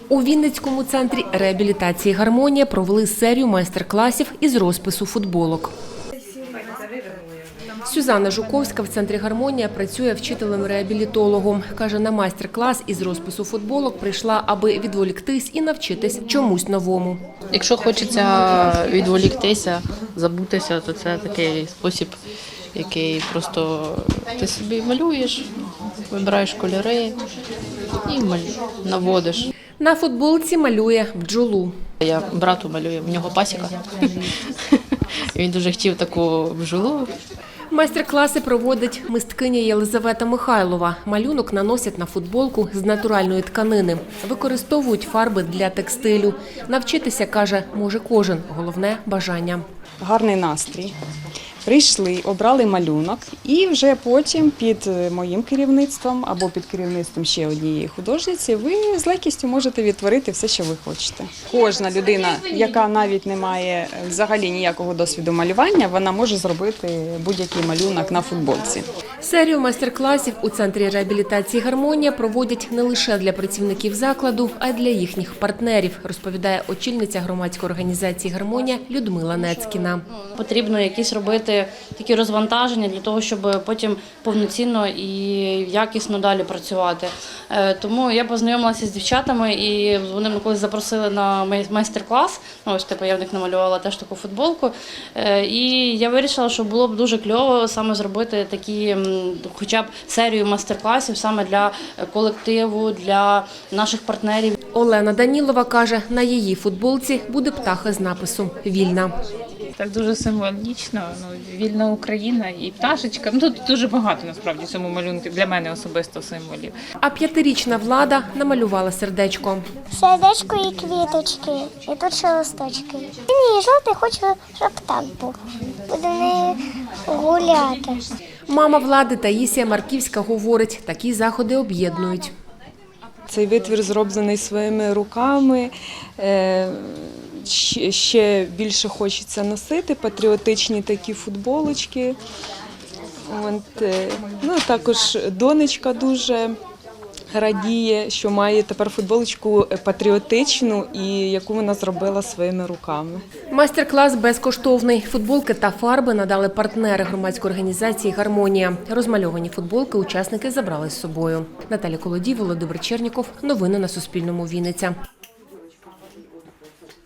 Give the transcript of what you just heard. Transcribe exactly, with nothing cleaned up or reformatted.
У Вінницькому центрі реабілітації «Гармонія» провели серію майстер-класів із розпису футболок. Сюзанна Жуковська в центрі «Гармонія» працює вчителем-реабілітологом. Каже, на майстер-клас із розпису футболок прийшла, аби відволіктись і навчитись чомусь новому. Якщо хочеться відволіктися, забутися, то це такий спосіб, який просто ти собі малюєш, вибираєш кольори і наводиш. На футболці малює бджолу. Я брату малюю, в нього пасіка. Він дуже хотів таку бджолу. Майстер-класи проводить мисткиня Єлизавета Михайлова. Малюнок наносять на футболку з натуральної тканини. Використовують фарби для текстилю. Навчитися, каже, може кожен. Головне – бажання. Гарний настрій. Прийшли, обрали малюнок і вже потім під моїм керівництвом або під керівництвом ще однієї художниці ви з легкістю можете відтворити все, що ви хочете. Кожна людина, яка навіть не має взагалі ніякого досвіду малювання, вона може зробити будь-який малюнок на футболці. Серію майстер-класів у центрі реабілітації «Гармонія» проводять не лише для працівників закладу, а й для їхніх партнерів, розповідає очільниця громадської організації «Гармонія» Людмила Нецькіна. Потрібно якісь робити такі розвантаження для того, щоб потім повноцінно і якісно далі працювати. Тому я познайомилася з дівчатами і вони мене колись запросили на майстер-клас. Ось типу я в них намалювала теж таку футболку. І я вирішила, що було б дуже кльово саме зробити такі, хоча б серію майстер-класів саме для колективу, для наших партнерів. Олена Данілова каже, на її футболці буде птаха з напису «Вільна». Так дуже символічно, ну, вільна Україна і пташечка. Ну, тут дуже багато, насправді, в цьому малюнку для мене особисто символів. А п'ятирічна Влада намалювала сердечко. Сердечко і квіточки, і тут ще листочки. Мені жовтий, хочу, щоб так був. Буду не гуляти. Мама Влади Таїсія Марківська говорить, такі заходи об'єднують. Цей витвір зроблений своїми руками. Ще більше хочеться носити патріотичні такі футболочки. От, ну, також донечка дуже радіє, що має тепер футболочку патріотичну, і яку вона зробила своїми руками. Майстер-клас безкоштовний. Футболки та фарби надали партнери громадської організації «Гармонія». Розмальовані футболки учасники забрали з собою. Наталя Колодій, Володимир Черніков. Новини на Суспільному. Вінниця.